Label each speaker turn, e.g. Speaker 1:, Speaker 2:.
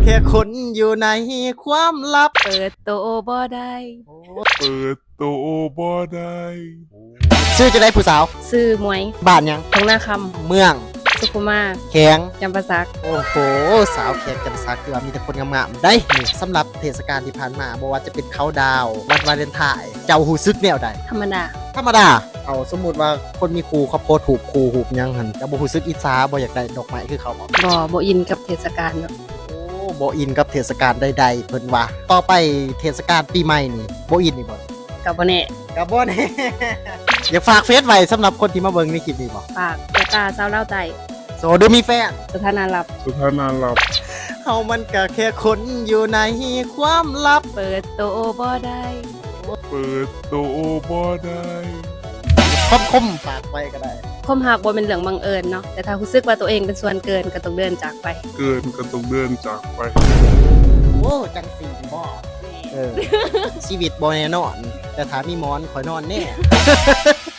Speaker 1: ค่คนอยู่ในความลับ
Speaker 2: เปิดโตบ่ได้
Speaker 3: เปิดโตบ่ได้
Speaker 1: ชื่อจะได้ผู้สาว
Speaker 2: ซื้อหมวย
Speaker 1: บ้านยัง
Speaker 2: ทองหน้าค
Speaker 1: เมือง
Speaker 2: ำสุขุมา
Speaker 1: แข็ง
Speaker 2: จำปาสัก
Speaker 1: โอ้โหสาวแขกจำซักคือว่ามีแต่คนงามๆได้นี่สำหรับเทศกาลที่ผ่านมาบอกว่าจะเป็นเขาดาววันวาเลนไทน์เจ้าหูซึกแนวใด
Speaker 2: ธรรมดา
Speaker 1: ธรรมดาเอาสมมุติว่าคนมีครูเขาโพสต์ถูกครูหูบยังหันเจ้าบ่หูซึกอิจฉาบ่อยากได้ดอกไม้คือเขาบ่
Speaker 2: บ่อินกับเทศกาลเนาะ
Speaker 1: โอ้บ่อินกับเทศกาลใดๆเพิ่นว่าต่อไปเทศกาลปีใหม่นี่บ่อินนี่บ่
Speaker 2: กับบ่แน่
Speaker 1: กับบ่แน่ อยากฝากเฟซไว้สำหรับคนที่มาเบิ่งในคลิปนี้บ่
Speaker 2: ฝากเจ้าตาสาวเล่าใจ
Speaker 1: โสดหรือมีแฟน
Speaker 2: สถานะลับ
Speaker 1: เฮามันก็แค่คนอยู่ในความลับ
Speaker 2: เปิดโตบ่ได้
Speaker 3: เปิดโตบ่ได้
Speaker 1: คมฝากไว้ก็ได้
Speaker 2: คมหักบ่เป็นเรื่องบังเอิญเนาะแต่ถ้ารู้สึกว่าตัวเองเป็นส่วนเกินก็ต้องเดินจากไป
Speaker 3: เกินก็ต้องเดินจากไป
Speaker 1: โอ้จังสีบ่ชีวิตบ่แน่นอนแต่ถ้ามีหมอนข่อยนอนแน่